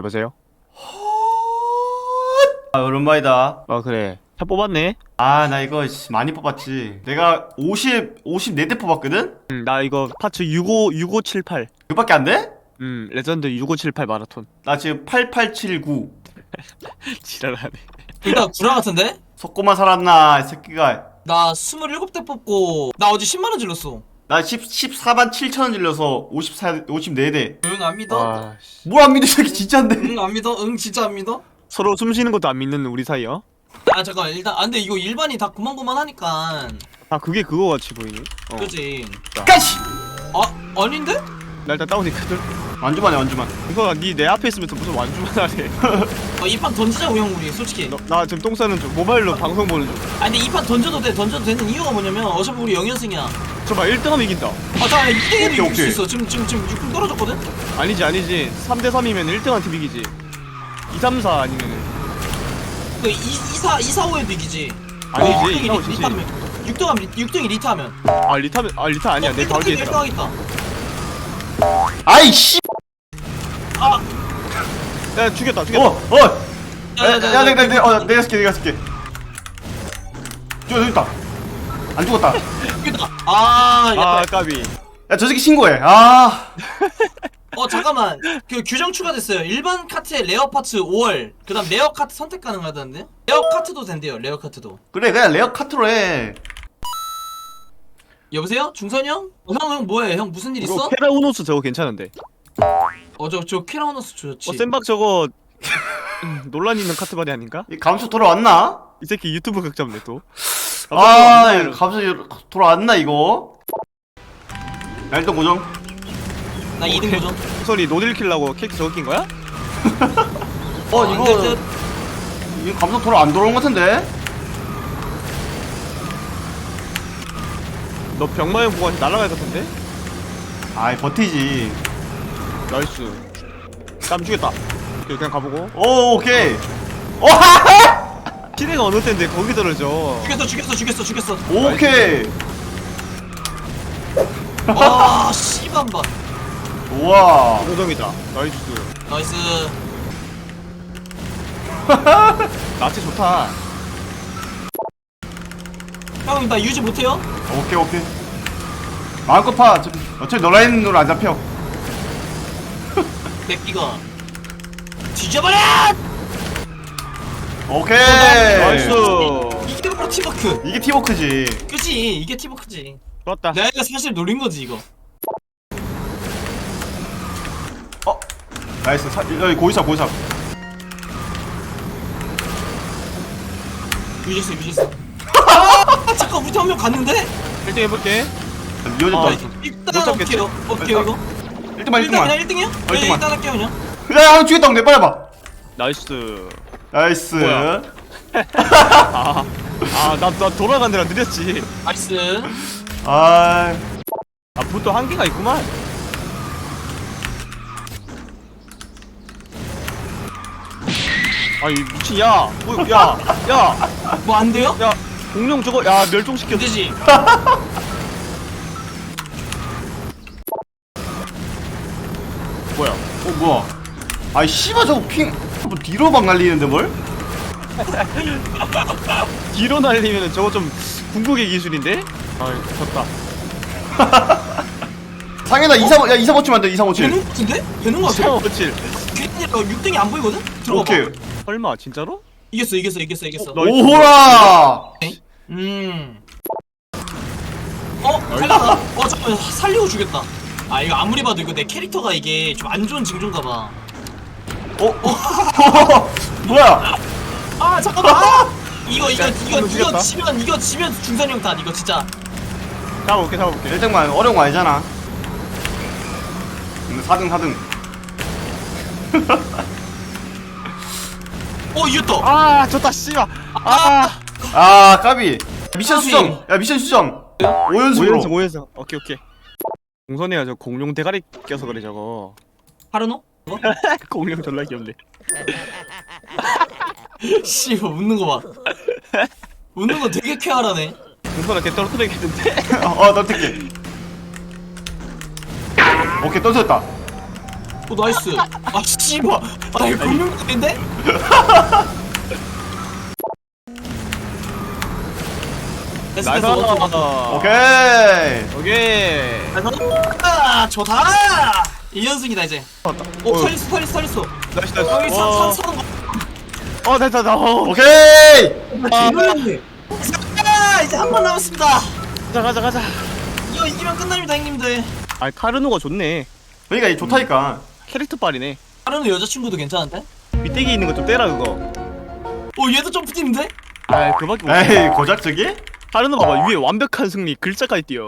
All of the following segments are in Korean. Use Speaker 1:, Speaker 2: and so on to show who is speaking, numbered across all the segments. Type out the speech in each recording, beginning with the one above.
Speaker 1: 여보세요?
Speaker 2: 아, 오랜만이다.
Speaker 1: 아 그래 차 뽑았네.
Speaker 2: 아, 나 이거 많이 뽑았지. 내가 54대 뽑았거든?
Speaker 1: 나 이거 파츠 6578.
Speaker 2: 그밖에 안 돼?
Speaker 1: 레전드 6578 마라톤.
Speaker 2: 나 지금 8879.
Speaker 1: 지랄하네.
Speaker 3: 둘 다 구라 같은데?
Speaker 2: 속고만 살았나, 이 새끼가.
Speaker 3: 나 27대 뽑고 나 어제 10만원 질렀어.
Speaker 2: 나 14만 7천원 질려서 54대.
Speaker 3: 응 안 믿어?
Speaker 1: 와 씨.
Speaker 2: 뭘 안 믿어, 이 새끼 진짜인데.
Speaker 3: 응 안 믿어? 응 진짜 안 믿어?
Speaker 1: 서로 숨 쉬는 것도 안 믿는 우리 사이야.
Speaker 3: 아 잠깐 일단 근데 이거 일반이 다 고만고만하니까
Speaker 1: 아 그게 그거 같이 보이네.
Speaker 3: 그지?
Speaker 2: 까시!
Speaker 3: 아 아닌데?
Speaker 1: 나 일단 다운이거든.
Speaker 2: 완주만해, 완주만.
Speaker 1: 이거 니 내 앞에 있으면서 무슨 완주만 하네.
Speaker 3: 이 판 던지자고 형 우리 솔직히.
Speaker 1: 나 지금 똥 싸는 중. 모바일로 방송 보는 중.
Speaker 3: 아 근데 이 판 던져도 되는 이유가 뭐냐면 어차피 우리 0연승이야.
Speaker 1: 저봐 1등하면 이긴다.
Speaker 3: 아 잠깐 2대1도 이길 수
Speaker 2: 오케이.
Speaker 3: 있어. 지금 6분 떨어졌거든?
Speaker 1: 아니지 3대 3이면 1등한 팀 이기지. 2, 3, 4 아니면은
Speaker 3: 그 2, 4, 5에도 이기지.
Speaker 1: 아니지. 이거 지지.
Speaker 3: 6등이 리타하면.
Speaker 1: 아 리타 아니야. 내 바로 뒤에 있다.
Speaker 3: 1등 하겠다.
Speaker 2: 아이, 씨!
Speaker 3: 아!
Speaker 1: 야 죽였다.
Speaker 2: 내가 쓸게. 저기 있다. 안 죽었다.
Speaker 3: 죽겠다. 아,
Speaker 1: 아
Speaker 3: 야,
Speaker 1: 까비.
Speaker 2: 야, 저 새끼 신고해. 아.
Speaker 3: 잠깐만. 그 규정 추가됐어요. 일반 카트에 레어 파츠 5월. 그다음 레어 카트 선택 가능하다는데? 레어 카트도 된대요. 레어 카트도.
Speaker 2: 그래, 그냥 레어 카트로 해.
Speaker 3: 여보세요? 중선이 형? 형 뭐해? 형 무슨 일
Speaker 1: 이거
Speaker 3: 있어?
Speaker 1: 페라우노스 저거 괜찮은데.
Speaker 3: 저 퀴라우너스 좋지.
Speaker 1: 센박 저거 논란 있는 카트바디 아닌가?
Speaker 2: 이 감초 돌아왔나?
Speaker 1: 이 새끼 유튜브 극 잡네 또.
Speaker 2: 아, 갑자기 돌아왔나 이거? 야, 일단 고정.
Speaker 3: 나 2등 도전.
Speaker 1: 소리 노딜 킬라고 캐릭터 저거 낀 거야?
Speaker 2: 이거 감초 돌아 안 돌아온 것 같은데?
Speaker 1: 너 병마용 보고 날아갈 것 같은데?
Speaker 2: 아이, 버티지.
Speaker 1: 나이스. 땀 주겠다. 그냥 가보고.
Speaker 2: 오, 오케이. 오,
Speaker 1: 시내가 어느 때인데 거기 떨어져.
Speaker 3: 죽였어.
Speaker 2: 오케이.
Speaker 3: 와, 씨반반.
Speaker 2: 우와.
Speaker 1: 고정이다. 나이스.
Speaker 3: 나이스.
Speaker 1: 나치 좋다.
Speaker 3: 형, 나 유지 못해요?
Speaker 2: 오케이. 마음껏 파. 어차피 너 라인으로 안 잡혀.
Speaker 3: 맥기가 뒤져버려!
Speaker 2: 오케이.
Speaker 1: 나이스.
Speaker 3: 이게 바로 팀워크.
Speaker 2: 이게 팀워크지.
Speaker 3: 그치? 이게 팀워크지.
Speaker 1: 좋았다.
Speaker 3: 내가 사실 노린 거지 이거.
Speaker 2: 나이스. 여기 고이삽.
Speaker 3: 유지했어. 아, 잠깐 우리 한 명 갔는데?
Speaker 1: 1등 해볼게.
Speaker 2: 이어졌다.
Speaker 3: 일단
Speaker 1: 못 잡겠지?
Speaker 3: 어떻게요 이거?
Speaker 2: 1등만.
Speaker 3: 그냥 1등이요? 네,
Speaker 2: 일등만.
Speaker 3: 일단 할게요 그냥.
Speaker 2: 야, 죽였다. 내 빨리 봐.
Speaker 1: 나이스.
Speaker 2: 나이스.
Speaker 1: 뭐야? 나 돌아간 데랑 느렸지.
Speaker 3: 나이스.
Speaker 2: 아,
Speaker 1: 보통 한계가 있구만. 아이 미친 야
Speaker 3: 뭐 안 돼요?
Speaker 1: 공룡 저거 야 멸종시켰어.
Speaker 3: 되지.
Speaker 1: 뭐야?
Speaker 2: 뭐야? 아이, 씨발, 저거 뭐 뒤로 막 날리는데 뭘?
Speaker 1: 뒤로 날리면은 저거 좀 궁극의 기술인데? 아 졌다.
Speaker 2: 상현아, 235 치면 안 돼, 235 치.
Speaker 3: 되는 거 같은데? 되는 거 같아.
Speaker 1: 7.
Speaker 3: 괜히 6등이 안 보이거든? 들어봐.
Speaker 2: 오케이.
Speaker 1: 설마 진짜로?
Speaker 3: 이겼어.
Speaker 2: 오호라!
Speaker 3: 살렸다. 잠깐만 살리고 주겠다. 아 이거 아무리 봐도 이거 내 캐릭터가 이게 좀 안 좋은 징조인가 봐.
Speaker 2: 뭐야?
Speaker 3: 아 잠깐만. 이거
Speaker 1: 죽였다.
Speaker 3: 지면 중선이 형 탓. 이거 진짜.
Speaker 1: 잡아볼게.
Speaker 2: 1등만 어려운 거 아니잖아. 근데 4등.
Speaker 3: 이겼다.
Speaker 1: 아 졌다 씨발.
Speaker 2: 아, 까비. 미션
Speaker 3: 까비.
Speaker 2: 수정. 야, 미션 수정. 5연승으로.
Speaker 1: 5연승. 오케이. 공선이가 저 공룡 대가리 껴서 그래 저거.
Speaker 3: 하르노?
Speaker 1: 공룡 졸라 귀엽네.
Speaker 3: 씨발 웃는 거 봐. 웃는 거 되게 쾌활하네.
Speaker 1: 공선아 걔 떨어뜨리겠는데?
Speaker 2: 너 택해. 오케이, 떨어졌다.
Speaker 3: 오 나이스. 아 씨발. 아 이거 공룡인데?
Speaker 1: 나이스.
Speaker 2: 오케이.
Speaker 1: 오케이.
Speaker 3: 아 좋다. 2연승이다 이제. 오 살렸어.
Speaker 1: 나이스 나이스.
Speaker 3: 여기
Speaker 1: 와. 됐다.
Speaker 2: 오케이.
Speaker 3: 이제 한 번 남았습니다.
Speaker 1: 가자.
Speaker 3: 이거 이기면 끝납니다 형님들.
Speaker 1: 아 카르노가 좋네.
Speaker 2: 그러니까 이 좋다니까.
Speaker 1: 캐릭터 빨이네.
Speaker 3: 다른 여자친구도 괜찮은데?
Speaker 1: 밑대기 있는 거 좀 떼라 그거.
Speaker 3: 오 얘도 점프팀인데?
Speaker 1: 아 그밖에 못.
Speaker 2: 에이 고작적이?
Speaker 1: 카르노 봐봐 위에 완벽한 승리 글자까지 띄어.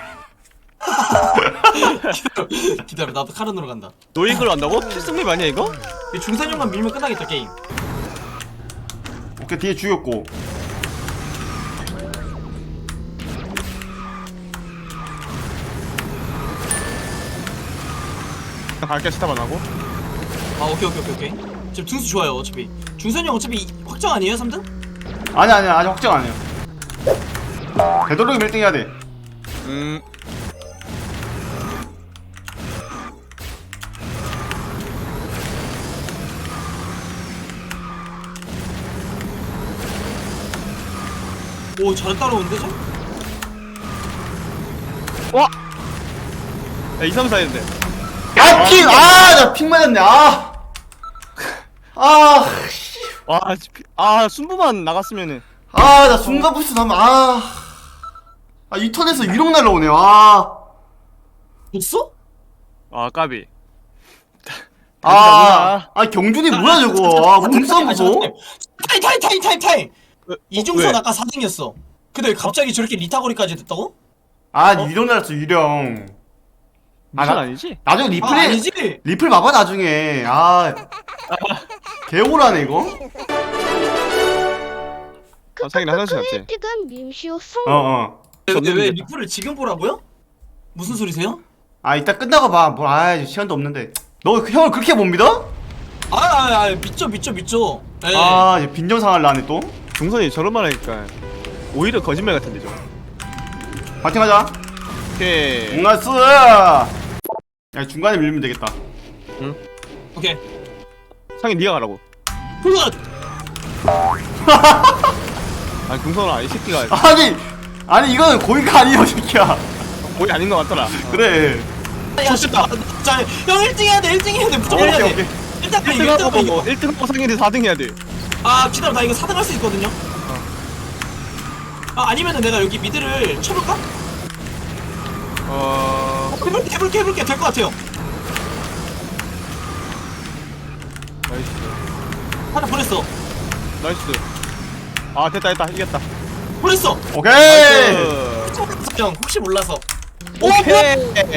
Speaker 3: 기다려 나도 카른으로 간다.
Speaker 1: 너 이걸 안다고? 필승립 아니야 이거?
Speaker 3: 이 중산형만 밀면 끝나겠다 게임.
Speaker 2: 오케이 뒤에 죽였고.
Speaker 1: 갈게 스탑 안 하고.
Speaker 3: 아 오케이. 지금 등수 좋아요 어차피. 중산형 어차피 확정 아니에요 3등?
Speaker 2: 아니야 아직 확정 안 해요. 되도록이면 1등 해야 돼.
Speaker 3: 오 잘 따라오는데 저?
Speaker 1: 와. 야 2, 3, 4 했는데.
Speaker 2: 아 핑! 나 핑 맞았네.
Speaker 1: 순부만 나갔으면은.
Speaker 2: 나 순간 부스 나면 이 턴에서 위로 날라오네.
Speaker 3: 됐어?
Speaker 1: 까비.
Speaker 2: 경준이 뭐야 저거. 몸싸움 무서워.
Speaker 3: 타임! 이중선
Speaker 1: 왜?
Speaker 3: 아까 4등이었어. 근데 왜 갑자기 저렇게 리타거리까지 됐다고?
Speaker 2: 유령 날랐어 유령.
Speaker 1: 미션 아니지?
Speaker 2: 나중에 리플에
Speaker 3: 아니지?
Speaker 2: 리플 봐봐 나중에. 개오라네 이거.
Speaker 1: 상인 화장실 갔지?
Speaker 4: 혜택은 밈시오 성.
Speaker 3: 근데 왜
Speaker 1: 졌는데.
Speaker 3: 리플을 지금 보라고요? 무슨 소리세요?
Speaker 2: 이따 끝나고 봐. 시간도 없는데. 너 형을 그렇게 못 믿어?
Speaker 3: 믿죠. 예.
Speaker 2: 이제 빈정상할 나네 또.
Speaker 1: 중선이 저런 말 하니까 오히려 거짓말 같은데 좀.
Speaker 2: 파팅하자.
Speaker 1: 오케이.
Speaker 2: 응아스. 야 중간에 밀면 되겠다.
Speaker 3: 오케이.
Speaker 1: 상인 니가 가라고.
Speaker 3: 굿!
Speaker 1: 중선아 이 새끼가
Speaker 2: 아니 이거는 고의가 아니에요 새끼야.
Speaker 1: 거의 아닌 것 같더라.
Speaker 2: 그래.
Speaker 3: 야, 형 1등 해야 돼. 무조건 해야 돼. 일단
Speaker 1: 1등하고 1등하고 상인이 4등 해야 돼.
Speaker 3: 기다려. 나 이거 4등 할 수 있거든요. 아니면은 내가 여기 미드를 쳐볼까? 해볼게. 될 것 같아요.
Speaker 1: 나이스.
Speaker 3: 하나 보냈어.
Speaker 1: 나이스. 됐다 이겼다.
Speaker 3: 보냈어.
Speaker 2: 오케이.
Speaker 3: 형 혹시 몰라서.
Speaker 1: 오케이.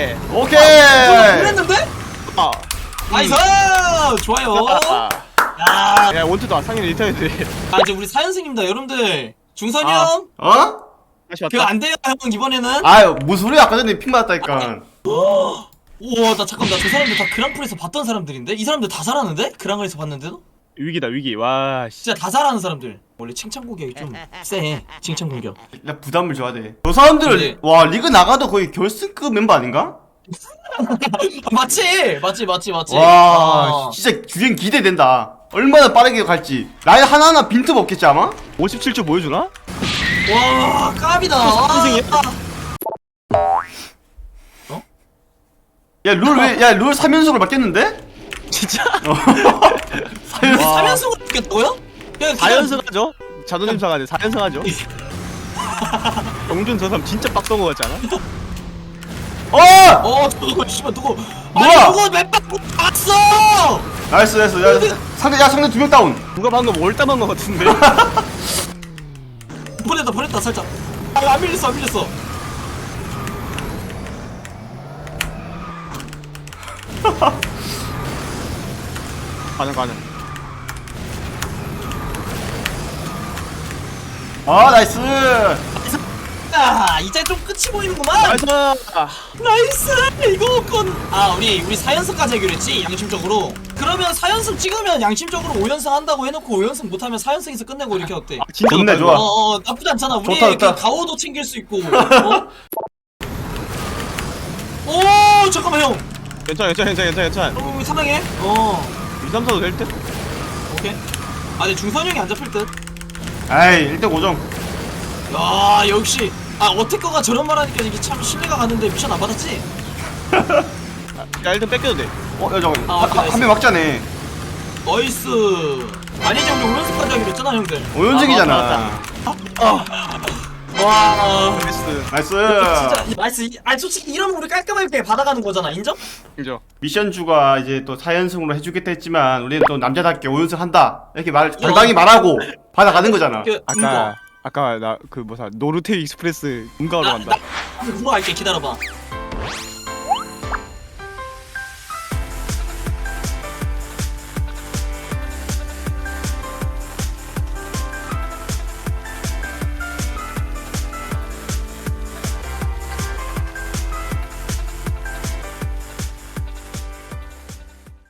Speaker 3: 보냈는데? 나이스. 좋아요.
Speaker 1: 야 원투다 상인 리턴 돼.
Speaker 3: 이제 우리 사연생입니다 여러분들. 중선이 형
Speaker 1: 다시
Speaker 3: 그거
Speaker 1: 왔다.
Speaker 3: 안 돼요 형 이번에는.
Speaker 2: 무슨 소리야. 아까 전에 핑 맞았다니까.
Speaker 3: 우와 나 잠깐만 저 사람들 다 그랑프에서 봤던 사람들인데? 이 사람들 다 잘하는데? 그랑에서 봤는데도?
Speaker 1: 위기다 위기. 와 씨.
Speaker 3: 진짜 다 잘하는 사람들. 원래 칭찬 공격이 좀 세. 칭찬 공격.
Speaker 2: 나 부담을 줘야 돼. 저 사람들
Speaker 3: 네.
Speaker 2: 리그 나가도 거의 결승급 멤버 아닌가?
Speaker 3: 맞지.
Speaker 2: 와 진짜 주행 기대된다. 얼마나 빠르게 갈지. 라인 하나하나 빈틈 없겠지 아마?
Speaker 1: 57초 보여주나?
Speaker 3: 와 까비다.
Speaker 1: 선생님.
Speaker 2: 룰 3연속을 바뀌었는데?
Speaker 1: 진짜?
Speaker 2: 3연속.
Speaker 3: 3연승을 했겠다고요?
Speaker 1: 4연승 하죠? 자존심 상하네. 4연승 하죠? 영준 저 사람 진짜 빡던 거 같지 않아?
Speaker 3: 누구 씨발 누구?
Speaker 2: 뭐야?
Speaker 3: 누구 맵박 봤어?
Speaker 2: 나이스. 상대 2명 다운.
Speaker 1: 누가 방금 올담한 거 같은데?
Speaker 3: 보냈다 살짝. 안 밀렸어.
Speaker 1: 가능.
Speaker 2: 나이스.
Speaker 3: 이제 좀 끝이 보이는구만.
Speaker 1: 나이스.
Speaker 3: 나이스. 이거 우리 4연승까지 하기로 했지 양심적으로. 그러면 4연승 찍으면 양심적으로 5연승 한다고 해놓고 5연승 못하면 4연승에서 끝내고 이렇게 어때?
Speaker 1: 진짜
Speaker 2: 좋네,
Speaker 1: 좋다,
Speaker 2: 좋아.
Speaker 1: 이거.
Speaker 3: 나쁘지 않잖아. 우리
Speaker 2: 좋다.
Speaker 3: 그 가오도 챙길 수 있고. 오 잠깐만 형.
Speaker 1: 괜찮아.
Speaker 3: 우리 사랑해.
Speaker 1: 2, 3, 4도 될 듯?
Speaker 3: 오케이. 아 근데 중선이 형이 안 잡힐 듯.
Speaker 2: 아이 1등 5점.
Speaker 3: 야 역시 어태커가 저런 말 하니까 이게 참 신뢰가 가는데 미션 안 받았지?
Speaker 1: 야 1등 뺏겨도 돼.
Speaker 2: 야 잠깐
Speaker 3: 아, 오케이,
Speaker 2: 한명 막자네.
Speaker 3: 나이스. 아니지 우리 5연승까지 하기로 했잖아 형들.
Speaker 2: 5연승이잖아.
Speaker 3: 와
Speaker 1: 나이스.
Speaker 2: 나이스.
Speaker 3: 진짜 나이스. 아니 솔직히 이러면 우리 깔끔하게 받아가는 거잖아. 인정?
Speaker 1: 인정.
Speaker 2: 미션주가 이제 또 4연승으로 해주겠다 했지만 우리는 또 남자답게 5연승 한다 이렇게 당당히 말하고 받아가는 거잖아.
Speaker 1: 아까 나 그 뭐사 노르테 익스프레스 응가하러 간다.
Speaker 3: 그거 할게. 기다려봐.